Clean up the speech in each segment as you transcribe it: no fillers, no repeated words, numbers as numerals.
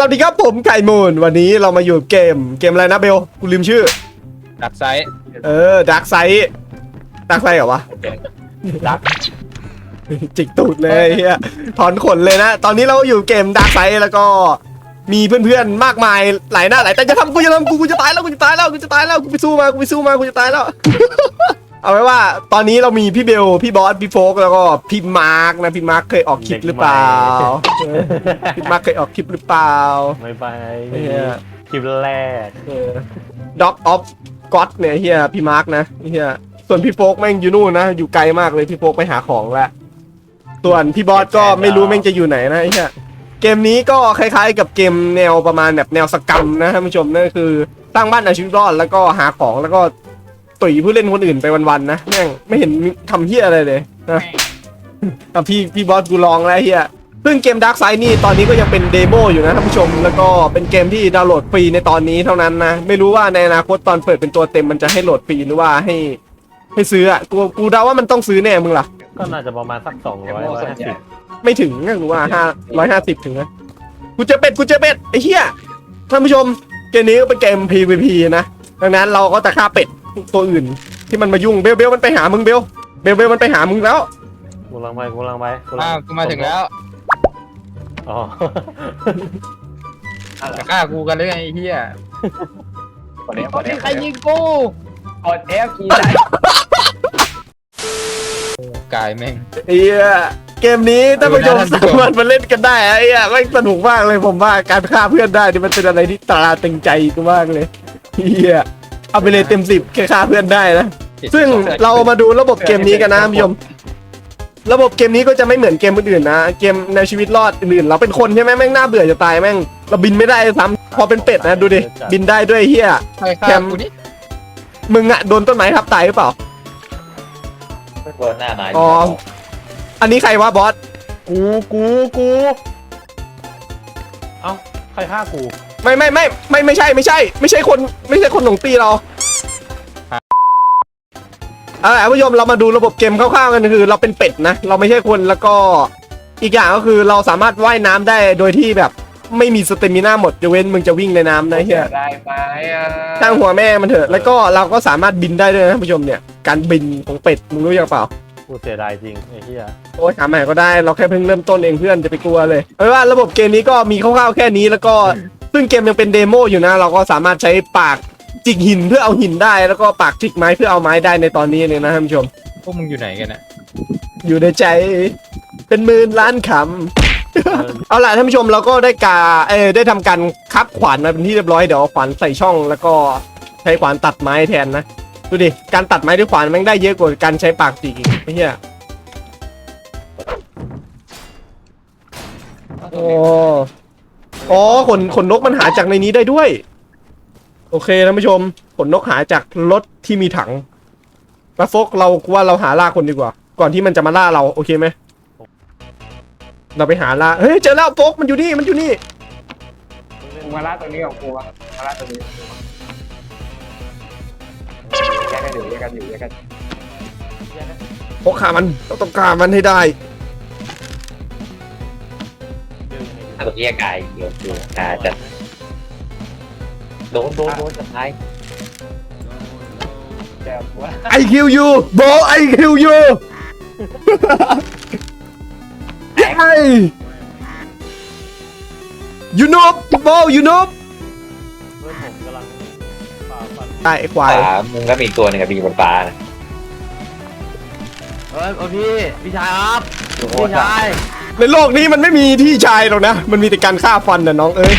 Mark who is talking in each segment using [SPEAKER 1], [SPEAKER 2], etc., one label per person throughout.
[SPEAKER 1] วัสดีครับผมไก่มูนวันนี้เรามาอยู่เกมอะไรนะเบลกูลืมชื่อ
[SPEAKER 2] ดักไซด์
[SPEAKER 1] ดักไซเหรอวะ
[SPEAKER 2] ดัก
[SPEAKER 1] จิกตูดเลยเฮียถอนขนเลยนะตอนนี้เราอยู่เกมดักไซแล้วก็มีเพื่อนๆมากมายหลายหน้าหลายแต่จะทำกูจะตายแล้วกูไปสู้มากูจะตายแล้ว เอาไว้ว่าตอนนี้เรามีพี่เบลพี่บอสพี่โฟกแล้วก็พี่มาร์กนะพี่มาร์กเคยออกคลิปหรือเปล่าพี่มาร์กเคยออกคลิปหรือเปล่า
[SPEAKER 3] ไม่ไปคลิปแรก
[SPEAKER 1] ด็อกออฟก็อดเนี่ยเฮียพี่มาร์กนะเฮียส่วนพี่โฟกแม่งอยู่นู่นนะอยู่ไกลมากเลยพี่โฟกไปหาของแล้วส่วนพี่บอสก็ไม่รู้แม่งจะอยู่ไหนนะเฮียเกมนี้ก็คล้ายๆกับเกมแนวประมาณแบบแนวสกรรมนะท่านผู้ชมนั่นคือสร้างบ้านเอาชีวิตรอดแล้วก็หาของแล้วก็ตุ๋ยผู้เล่นคนอื่นไปวันๆนะแม่งไม่เห็นทำเฮียอะไรเลยนะแต่พี่บอสกูลองแล้วเฮียซึ่งเกม Dark Side นี่ตอนนี้ก็ยังเป็นเดโมอยู่นะท่านผู้ชมแล้วก็เป็นเกมที่ดาวน์โหลดฟรีในตอนนี้เท่านั้นนะไม่รู้ว่าในอนาคตตอนเปิดเป็นตัวเต็มมันจะให้โหลดฟรีหรือว่าให้ซื้ออ่ะกูเดาว่ามันต้องซื้อแน่มึงล่ะ
[SPEAKER 3] ก็น่าจะประมาณสัก250
[SPEAKER 1] ไม่ถึงนะกูว่า150ถึงนะกูเจอเป็ดไอ้เหี้ยท่านผู้ชมเกมนี้ก็เป็นเกม PVP นะดังนั้นเราก็จะฆ่าเป็ดตัวอื่นที่มันมายุ่งเบลมันไปหามึงเบลมันไปหามึงแล้ว
[SPEAKER 3] กูลังไป
[SPEAKER 2] กูมาถึงแล้ว
[SPEAKER 3] อ๋อ
[SPEAKER 2] จะฆ่ากูกันเลยไอ้เหี้ยใครยิงกู
[SPEAKER 4] กด F กีได้
[SPEAKER 2] กายแม่ง
[SPEAKER 1] เฮียเกมนี้ท่านผู้ชมสามารถมาเล่นกันได้ไอ้เหี้ยไม่สนุกมากเลยผมว่าการฆ่าเพื่อนได้นี่มันเป็นอะไรที่ตราตึงใจกูมากเลยเฮียเอาไปเลยเต็ม10แค่ฆ่าเพื่อนได้นะซึ่งเรามาดูระบบเกมนี้กันนะท่านผู้ชมระบบเกมนี้ก็จะไม่เหมือนเกมอื่นๆนะเกมในชีวิตรอดอื่นๆเราเป็นคนใช่ไหมแม่งน่าเบื่อจะตายแม่งเราบินไม่ได้ซ้ำพอเป็นเป็ดนะดูดิบินได้ด้วยเฮีย
[SPEAKER 2] แคม
[SPEAKER 1] มึงอะโดนต้นไม้ทับตายหรือเปล่า
[SPEAKER 4] โดนหน้าไหน
[SPEAKER 1] อ๋ออันนี้ใครวะบอส
[SPEAKER 3] กูเอ้าใครฆ่ากู
[SPEAKER 1] ไม่ใช่คนหลงตีเราท่านผู้ชมเรามาดูระบบเกมคร่าวๆกันคือเราเป็นเป็ดนะเราไม่ใช่คนแล้วก็อีกอย่างก็คือเราสามารถว่ายน้ำได้โดยที่แบบไม่มีสเตมิน่าหมดยกเว้นมึงจะวิ่งในน้ำนะเฮีย
[SPEAKER 4] ได้ไหม
[SPEAKER 1] ตั้งหัวแม่มันเถอะแล้วก็เราก็สามารถบินได้ด้วยนะท่านผู้ชมเนี่ยการบินของเป็ดมึงรู้ยังเปล่า
[SPEAKER 3] กูเสียดายจริงไอ้เหี้ย
[SPEAKER 1] โอ้ยหาใหม่ก็ได้เราแค่เพิ่งเริ่มต้นเองเพื่อนจะไปกลัวเลยเพราะว่าระบบเกมนี้ก็มีคร่าวๆแค่นี้แล้วก็ซึ่งเกมยังเป็นเดโมอยู่นะเราก็สามารถใช้ปากจิกหินเพื่อเอาหินได้แล้วก็ปากจิกไม้เพื่อเอาไม้ได้ในตอนนี้เลยนะท่านผู้ชม
[SPEAKER 2] พวกมึงอยู่ไหนกันนะ
[SPEAKER 1] อยู่ในใจเป็นหมื่นล้านคำเอาล่ะท่านผู้ชมเราก็ได้ทำการคับขวานมาเป็นที่เรียบร้อยเดี๋ยวขวานใส่ช่องแล้วก็ใช้ขวานตัดไม้แทนนะดูดิการตัดไม้ด้วยขวานมันได้เยอะกว่าการใช้ปากจิกอีกไอ้เหี้ยอ๋อขนนกมันหาจากในนี้ได้ด้วยโอเคท่านผู้ชมขนนกหาจากรถที่มีถังมาโฟกเราว่าเราหาล่าคนดีกว่าก่อนที่มันจะมาล่าเราโอเคไหมเราไปหาล่าเฮ้ยเจอแล้วโฟกมันอยู่นี่
[SPEAKER 4] กูมาล่าตัวนี้ของกูวะมาล่าตัวนี้แยกกัน
[SPEAKER 1] โฟกฆ่ามันต้องฆ่ามันให้ได้
[SPEAKER 4] ถ้าตัวแยกกายเดี๋ยวจะโดนสุดท้าย
[SPEAKER 1] I kill you bro I kill you ไอ้ you know bro you know
[SPEAKER 3] เพื่อนผมกำลัง
[SPEAKER 1] ตายไอ้ควาย
[SPEAKER 4] มึงก็มีอีกตัวนึงกับมีบนฟ้านะ
[SPEAKER 3] พี่ชายครับพี่ชาย
[SPEAKER 1] ในโลกนี้มันไม่มีพี่ชายหรอกนะมันมีแต่การฆ่าฟันนะน้องเอ้ย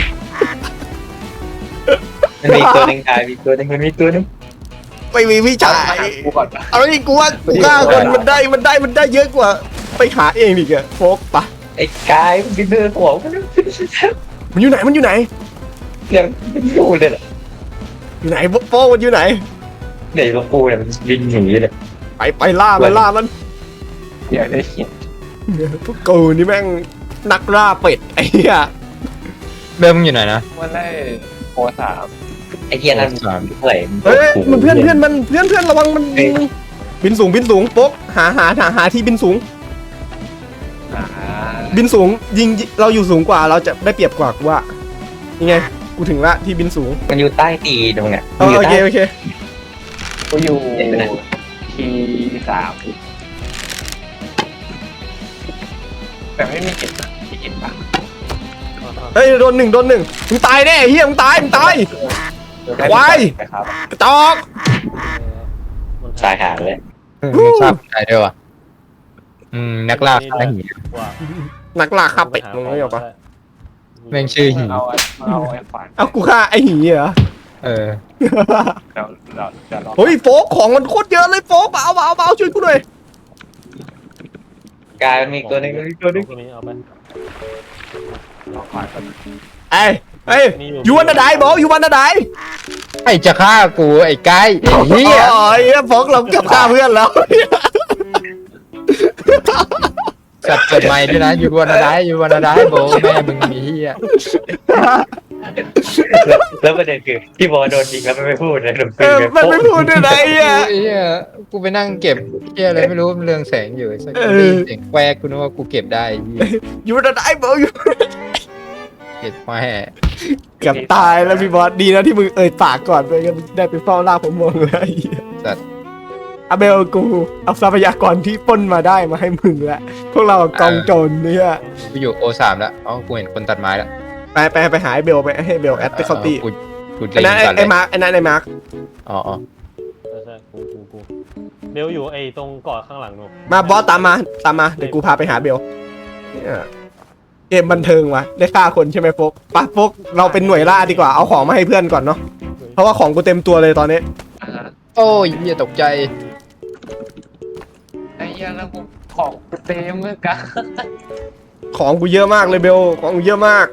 [SPEAKER 4] มันมีตัวนึงมีตัวนึง
[SPEAKER 1] ไม่มีพี่ชายเอาอีกกูว่ากูฆ่าคนมันได้เยอะกว่าไปหาเองดิแกโฟกปะ
[SPEAKER 4] ไอ้กายมันบินเดินหัว
[SPEAKER 1] มันอยู่ไหน
[SPEAKER 4] ยังอยู่เลย
[SPEAKER 1] อยู่ไหนโฟกมันอยู่ไหน
[SPEAKER 4] ไหนพวกกูเนี่ยมันบินหนีเลย
[SPEAKER 1] ไปล่ามัน
[SPEAKER 4] เดี๋ยวได้เห็น
[SPEAKER 1] พวกกูนี่แม่งนักล่าเป็ดไอ้เหี้ย
[SPEAKER 2] เริ่มอยู่ไหนนะ
[SPEAKER 4] วันแรกโพสามไอ้เหี้ยนั่นเ
[SPEAKER 1] ฮ้ยมันเพื่อนระวังมันบินสูงโป๊กหาที่บินสูงยิงเราอยู่สูงกว่าเราจะได้เปรียบกว่านี่ไงกูถึงละที่บินสูง
[SPEAKER 4] มันอยู่ใต้ตีนตรงเนี้ย
[SPEAKER 1] โอเคโอเค
[SPEAKER 2] กูอยู่ทีสามแต่ไม่มีเก็บนะมีเก็บปะ
[SPEAKER 1] เฮ้ยโดนหนึ่งมึงตายแน่เฮียมึงตายควาย
[SPEAKER 2] ครับ
[SPEAKER 1] กระจอก
[SPEAKER 4] สายหาเลย
[SPEAKER 5] ชอบใครด้วยวะนักล่าฆ่าหี
[SPEAKER 3] ว่า
[SPEAKER 1] นักล่าฆ่าเป็ดมึงไม่เอาปะ
[SPEAKER 5] แม่งชื่อหี
[SPEAKER 2] เอาไอ้ขวาน
[SPEAKER 1] เอากูฆ่าไอ้หีเหรอ
[SPEAKER 5] เออ
[SPEAKER 2] เราลอง
[SPEAKER 1] เฮ้ยโฟกของมันโคตรเยอะเลยโฟกเอาช่วยกูหน่อย
[SPEAKER 4] กายมันมีตัวหนึงตัวหนึง
[SPEAKER 3] ตัวนี้เอาไป
[SPEAKER 2] ขวานกัน
[SPEAKER 1] เอ้ยยูวันดายบอกยูวันดาย
[SPEAKER 5] ไอ้จะฆ่ากูไอ้ไก่เฮีย
[SPEAKER 1] อ๋อไอ้โฟกเราเกือบฆ่าเพื่อนแล้ว
[SPEAKER 5] สัตว์เกิดใหม่ด้วยนะอยู่วันละได้โบแม่มึงมีเฮีย
[SPEAKER 4] แล้วประเด็นคือพี่บอลโดนยิงแล้วมันไม่พูดเลยโดนปืน
[SPEAKER 1] มันไม่พูดด้วยนะไอ้เหี้ย
[SPEAKER 5] เฮียกูไปนั่งเก็บเฮียอะไรไม่รู้มันเรืองแสงอยู่สักเสียงแควกกูนึกว่ากูเก็บได้เฮีย
[SPEAKER 1] ยูวันดายบอกอยู่
[SPEAKER 5] เก็บแม่
[SPEAKER 1] เกือบตายแล้วพี่บอสดีนะที่มึงปากก่อนไปกันได้ไปเฝ้าล่าผมมองเลยไอ้เหี้ย
[SPEAKER 5] สัตว์
[SPEAKER 1] อาเบลกูเอาทรัพยากรที่ปล้นมาได้มาให้มึงแล้วพวกเรากองโจรเนี่ย
[SPEAKER 5] กูอยู่โอสามแล้วอ๋อกูเห็นคนตัดไม้แล้ว
[SPEAKER 1] ไปหาไอ้เบลไปให้เบลแอดไปเข้าตี
[SPEAKER 5] กู
[SPEAKER 1] ไอ้นั่น
[SPEAKER 5] ตัดเล
[SPEAKER 1] ไอ้
[SPEAKER 5] ย
[SPEAKER 1] มาร์คไอ้นั่นไอ้มาร์ค
[SPEAKER 5] อ๋อ
[SPEAKER 3] ใช่กูเบลอยู่ไอ้ตรงเกาะข้างหลังหนู
[SPEAKER 1] มาบอสตามมาเดี๋ยวกูพาไปหาเบลเนี่ยเกมบันเทิงวะได้ฆ่าคนใช่ไหมโฟกปะโฟกเราเป็นหน่วยล่าดีกว่าเอาของมาให้เพื่อนก่อนเนาะเพราะว่าของกูเต็มตัวเลยตอนนี้
[SPEAKER 5] โอ้ยเฮียตกใจ
[SPEAKER 2] ไอ้ยังแล้วกูของเต็มเลยกัน
[SPEAKER 1] ของกูเยอะมากเลยเบลของกูเยอะมาก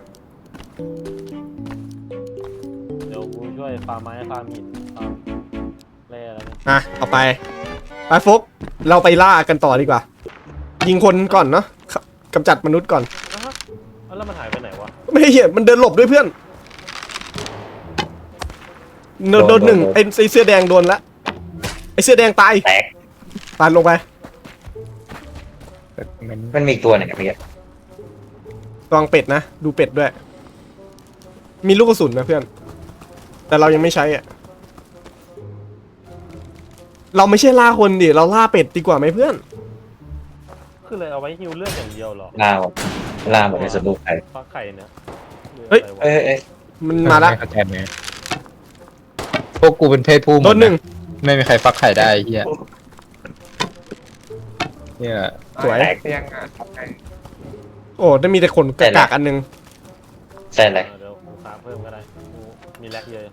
[SPEAKER 3] เดี๋ยวกูช่วยฟาร์มไม้ฟาร์มหินฟาร์มแร่อะไรเนี่ย
[SPEAKER 1] อ่ะเอาไปโฟกเราไปล่ากันต่อดีกว่า ยิงคนก่อนเนาะกำจัดมนุษย์ก่อน
[SPEAKER 3] แล้วมันหายไปไหนวะ
[SPEAKER 1] ไม่เห็นมันเดินหลบด้วยเพื่อนโดนหนึ่งไอ้เสื้อแดงโดนละไอ้เสื้อแดงตาย
[SPEAKER 4] แตก
[SPEAKER 1] ตายลงไป
[SPEAKER 4] มันมีอีกตัวหนึงอะพี่
[SPEAKER 1] ระวังเป็ดนะดูเป็ดด้วย มีลูกกระสุนนะเพื่อน แต่เรายังไม่ใช้อ่ะเราไม่ใช่ล่าคนดิเราล่าเป็ดดีกว่าไหมเพื่อน
[SPEAKER 3] คือเลยเอาไว้ฮิวเลือดอย่างเดียวเหรอ
[SPEAKER 4] ล่าหมดในสนุกไป
[SPEAKER 3] ฟักไข่เนี่ย
[SPEAKER 1] เฮ้ย
[SPEAKER 3] หรืออะไรวะ
[SPEAKER 4] เอ้ย
[SPEAKER 1] มันมาละ
[SPEAKER 5] เข้าใจไหมพวกกูเป็นเพศผู้
[SPEAKER 1] โดนหนึ่ง
[SPEAKER 5] ไม่มีใครฟักไข่ได้เฮียเนี่ย
[SPEAKER 1] สวย
[SPEAKER 2] เตียงอ่ะทำไง
[SPEAKER 1] โอ้ได้มีแต่ขนกระกากอันหนึง
[SPEAKER 4] ใช่เลย
[SPEAKER 3] เดี๋ยวกูฟาร์มเพิ่มก็ได้กูมีแลกเยอะ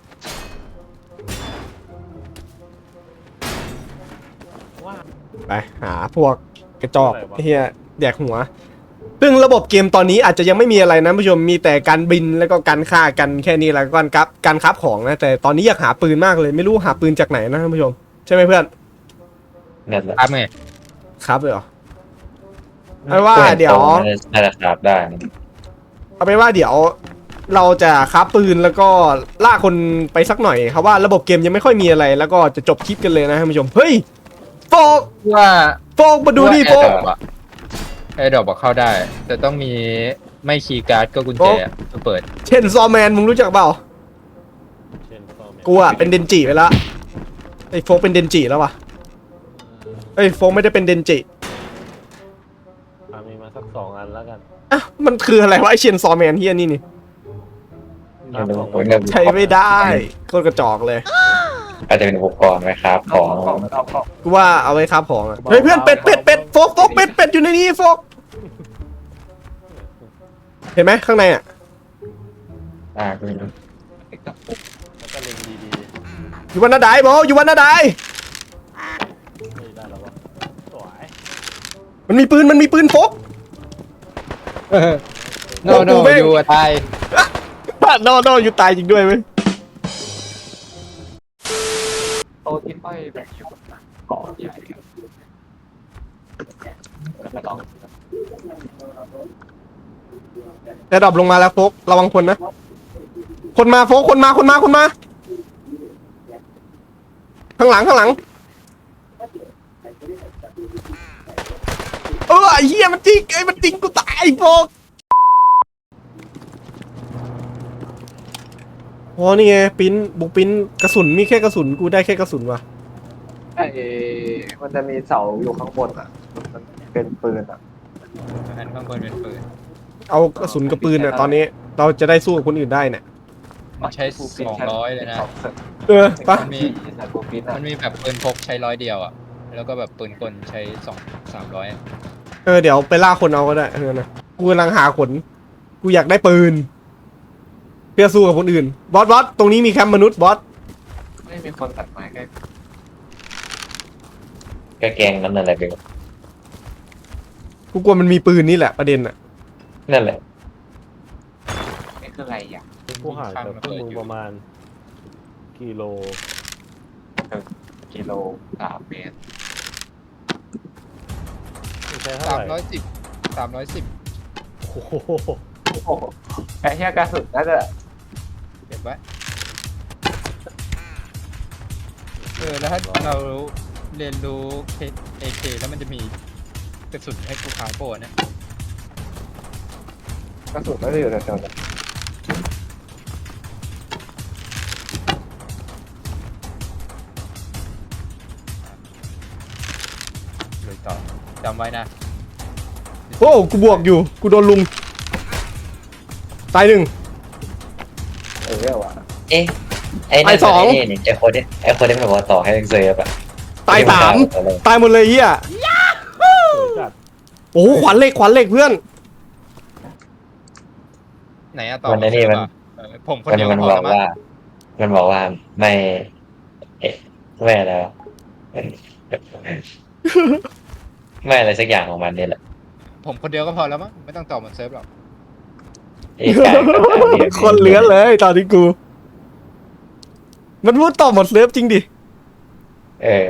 [SPEAKER 3] ว่า
[SPEAKER 1] ไปหาพวกกระจอกเฮียแดกหัว ซึ่งระบบเกมตอนนี้อาจจะยังไม่มีอะไรนะผู้ชมมีแต่การบินแล้วก็การฆ่ากันแค่นี้แล้วก็การคับของนะแต่ตอนนี้อยากหาปืนมากเลยไม่รู้หาปืนจากไหนนะท่านผู้ชมใช่ไหมเพื่อน
[SPEAKER 4] เนี่ยแหละ
[SPEAKER 5] ครับไง
[SPEAKER 1] ครับเลยเหรอเอาว่าเดี๋ยว
[SPEAKER 4] น่าจะครับได้
[SPEAKER 1] เอาไปนว่าเดี๋ยวเราจะคับปืนแล้วก็ล่าคนไปสักหน่อยครับว่าระบบเกมยังไม่ค่อยมีอะไร แล้วก็จะจบคลิปกันเลยนะท่านผู้ชมเฮ้ยโฟก
[SPEAKER 5] ว่า
[SPEAKER 1] โฟกมาดูนี่โฟก
[SPEAKER 5] ไอ้ดอกบอกเข้าได้ แต่ต้องมีไม่คีย์การ์ดก็กุญแจก็เปิด
[SPEAKER 1] เช่นซอแมนมึงรู้จักเปล่า
[SPEAKER 3] เช่นฟอร์แมน
[SPEAKER 1] กูอะเป็นเดนจิไปแล้วไอ้โฟกเป็นเดนจิแล้ววะไอ้ยโฟกไม่ได้เป็นเดนจิ
[SPEAKER 3] มีมาสัก2 อันแล้วกัน
[SPEAKER 1] อ่ะมันคืออะไรวะไอเชนซอแมนเฮียนี่ ใช้ไม่ได้โคตรกระจอกเลย
[SPEAKER 4] อาจจะเป็นอุปกรณ์ไหมครับ
[SPEAKER 2] เอา
[SPEAKER 4] ของ
[SPEAKER 2] ของ
[SPEAKER 1] กูว่าเอาไว้ครับของอะเฮ้ยเพื่อนเป็ดโฟกเป็ดอยู่ในนี้โฟกเห็นไหมข้างในอะ
[SPEAKER 4] ไม่รู้
[SPEAKER 3] แล้วก็เล็งดี
[SPEAKER 1] อยู่วันนาไดบออยู่วันนาได
[SPEAKER 3] ๆไม่ได้แล้ววะสวย
[SPEAKER 1] มันมีปืนโฟก
[SPEAKER 5] โนโนยูตาย
[SPEAKER 1] นออยู่ตายจริงด้วยไหม
[SPEAKER 2] โตะที่ห้อยแบบอยู่เกาะใหญ่แล้วก็
[SPEAKER 1] แต่ดรอปลงมาแล้วโฟกระวังคนนะคนมาโฟกคนมาข้างหลังไอ้เหี้ยมันจริงกูตายโฟกอ๋อนี่ไงปิ้นบุกปิ้นกระสุนมีแค่กระสุนกูได้แค่กระสุนว่ะ
[SPEAKER 2] ไอ้มันจะมีเสาอยู่ข้างบนอ่ะมันเป็นปืนอ่ะ
[SPEAKER 5] อันข้างบนเป็นปืน
[SPEAKER 1] เอากระสุนกับปืนเนี่ยตอนนี้เราจะได้สู้กับคนอื่นได้เนี่ย
[SPEAKER 5] มันใช้200เลยนะ
[SPEAKER 1] ปะ
[SPEAKER 5] มันมีมันมีแบบปืนพกใช้100เดียวอ่ะแล้วก็แบบปืนกลใช้300
[SPEAKER 1] เดี๋ยวไปล่าคนเอาก็ได้นะกูกำลังหาขนกูอยากได้ปืนเพื่อสู้กับคนอื่นบอสตรงนี้มีแคมป์มนุษย์บอส
[SPEAKER 2] ไม่มีคนตัดไม้ใกล้
[SPEAKER 4] ก็แกงนั้นอะไรไปหมด
[SPEAKER 1] กูกลัวมันมีปืนนี่แหละประเด็นอะ
[SPEAKER 4] นั่นแหละ
[SPEAKER 2] นี่คืออะไรอ่ะ
[SPEAKER 3] กูห่างจากพวกมึงประมาณกิโล
[SPEAKER 2] กิโล3 เมตร
[SPEAKER 3] มึงใช้เท่าไหร่
[SPEAKER 5] 310
[SPEAKER 3] โอ้โห
[SPEAKER 2] โอ้โหไอ้เหี้ยกระสุนน่าจะ
[SPEAKER 5] เก็บไว้แล้วถ้าเราเรียนรู้ AK แล้วมันจะมีกระสุนให้กูพาโปนะ
[SPEAKER 2] กระสุนน่าจะอยู่แถวๆนั้น
[SPEAKER 5] เลยต่อจำไว้นะ
[SPEAKER 1] โอ้กูบวกอยู่กูโดนลุงตายหนึ่ง
[SPEAKER 2] เรียกว่า
[SPEAKER 4] เอ๊ะไอ้นั่น
[SPEAKER 1] ไอ้สอง
[SPEAKER 4] นี่ไอ้คนที่มันบอกว่าต่อให้เซฟอะ
[SPEAKER 1] ตายสามตายหมดเลยเฮีย
[SPEAKER 3] สวยจัด
[SPEAKER 1] โอ้โหขวัญเหล็กเพื่อน
[SPEAKER 5] ไหนอะต่อ
[SPEAKER 4] มันไอ้นี่มัน
[SPEAKER 5] ผมคนเดียว
[SPEAKER 4] มัน
[SPEAKER 5] พ
[SPEAKER 4] บ
[SPEAKER 5] อ
[SPEAKER 4] อ
[SPEAKER 5] แล้
[SPEAKER 4] ก
[SPEAKER 5] วมั้ง
[SPEAKER 4] ว่า มันบอกว่าไม่ไม่อะไรวะไม่อะไรสักอย่างของมันนี่แหละ
[SPEAKER 5] ผมคนเดียวก็พอแล้วมั้งไม่ต้องต่อเหมือนเซิร์ฟหรอก
[SPEAKER 4] ไอ้กายกับกายเนี่ย
[SPEAKER 1] คนเหลือเลยตอนนี้กู มันพูดต่อหมดเลิฟจริงดิ
[SPEAKER 4] เออ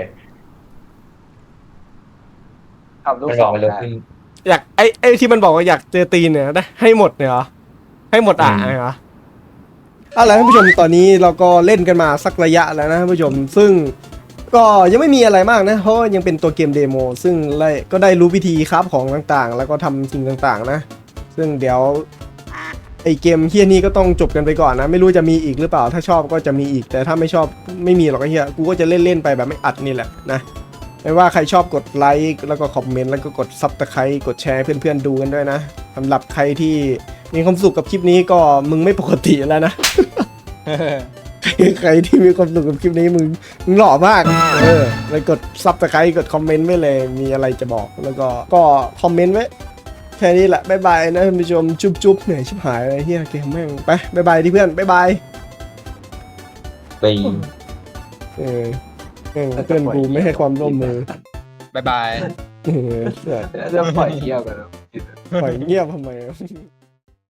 [SPEAKER 2] ทำลูก
[SPEAKER 4] มัน
[SPEAKER 2] ศ
[SPEAKER 4] บอก
[SPEAKER 2] ร
[SPEAKER 4] มันเลย
[SPEAKER 2] ได้
[SPEAKER 4] ขึ้น
[SPEAKER 1] อยากไอ้ที่มันบอกว่าอยากเจอตีนเนี่ยได้ให้หมดเนี่ยเหรอให้หมดเหรอเอาล่ะท่านผู้ชมตอนนี้เราก็เล่นกันมาสักระยะแล้วนะท่านผู้ชมซึ่งก็ยังไม่มีอะไรมากนะเพราะว่ายังเป็นตัวเกมเดโมซึ่งก็ได้รู้วิธีคราฟของต่างๆ แล้วก็ทำสิ่งต่างๆนะซึ่งเดี๋ยวไอเกมเฮียนี้ก็ต้องจบกันไปก่อนนะไม่รู้จะมีอีกหรือเปล่าถ้าชอบก็จะมีอีกแต่ถ้าไม่ชอบไม่มีหรอกไอ้เฮียกูก็จะเล่นๆไปแบบไม่อัดนี่แหละนะไม่ว่าใครชอบกดไลค์แล้วก็คอมเมนต์แล้วก็กดซับสไครต์กดแชร์ให้เพื่อนๆดูกันด้วยนะสำหรับใครที่มีความสุขกับคลิปนี้ก็มึงไม่ปกติแล้วนะ ใครที่มีความสุขกับคลิปนี้มึงหล่อมากไปกดซับสไครต์กดคอมเมนต์ไว้เลยมีอะไรจะบอกแล้วก็คอมเมนต์ไว้แค่นี้แหละบ๊ายบายนะท่านผู้ชมจุ๊บเหนื่อยชิบหายเลยเฮียเกมแม่งไปบ๊ายบายที่เพื่อนบ๊ายบาย
[SPEAKER 4] ไป
[SPEAKER 1] เเพื่อนกูไม่ให้ความร่วมมือ
[SPEAKER 5] บ๊ายบาย
[SPEAKER 1] เออ
[SPEAKER 2] จะปล่อยเที่ยวกัน
[SPEAKER 1] ปล่อยเงียบทำไม